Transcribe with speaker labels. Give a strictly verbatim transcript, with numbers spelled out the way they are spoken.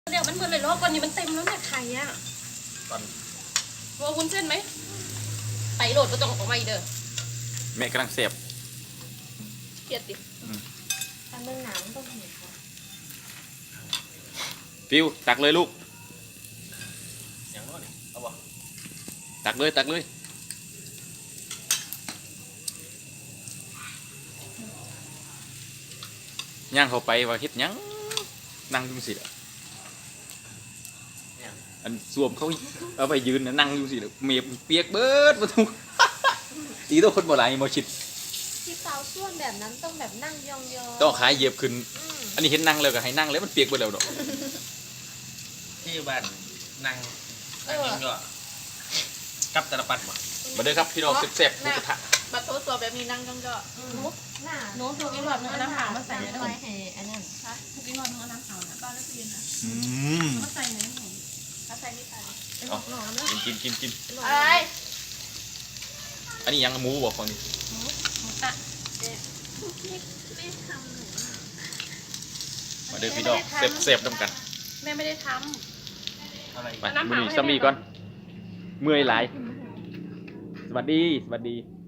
Speaker 1: เดี๋ยวมันเหมือนเลยรอบวันนี้มันเต็มแล้วเนี่ยไข่อะตอนว่าวุ้นเส้นไหมไปโหลดก็ต้องออกมาอีกเด้อ
Speaker 2: แม่กำลังเสียบ
Speaker 1: เกลียดดิ
Speaker 3: ทำเรื่องหนาวต้องเห็นค่ะ
Speaker 2: ฟิวตักเลยลูก
Speaker 4: อย่างนู้นเอาบ่
Speaker 2: ตักเลยตักเลยย่างเข้าไปว่าเฮ็ดยังนั่งจุ่มสิอันสวมเขาเอาไปยืนนั่งอยู่สิเมียเปียกเบิดมาทุกตีตัวคนโบราณมาชิด
Speaker 3: ที่เตาส่วนแบบนั้นต้องแบบนั่งยองๆ
Speaker 2: ต้องขายเหยียบขึ้นอันนี้เห็นนั่งเลยก็ให้นั่งแล้วมันเปียกไปแล้วดอก
Speaker 4: ที่บ้านนั่งนั่งยิงก็กับตะปัดบ่
Speaker 2: มาเด้อครับพี่น้องเสพๆหมูกระทะ
Speaker 3: บัตรโทรศัพท์แบบมีนั่งยองๆนุ๊กหน้า
Speaker 1: นุ๊กกินหลอดเนื้อน้ำขาวมาใส่
Speaker 3: ไว้ให้อันนั้น
Speaker 1: ค่ะกินหลอดเนื้อน้ำขาวนะบ้านแล้วกินนะ
Speaker 2: อืม
Speaker 1: มาใส่ไหนหนูมาใส่นี่ใส่
Speaker 2: กินกินกินกิน
Speaker 3: อะไร
Speaker 2: อันนี้ยังหมูบอกฟังนี่
Speaker 1: หมูหมูตะ
Speaker 2: มาเด้อพี่น้องเสพๆน้ำกัน
Speaker 1: แม่ไม่ได้ท
Speaker 4: ำอะไร
Speaker 2: ไปบุหรี่ซัมมี่ก่อนเมื่อยหลายสวัสดีสวัสดี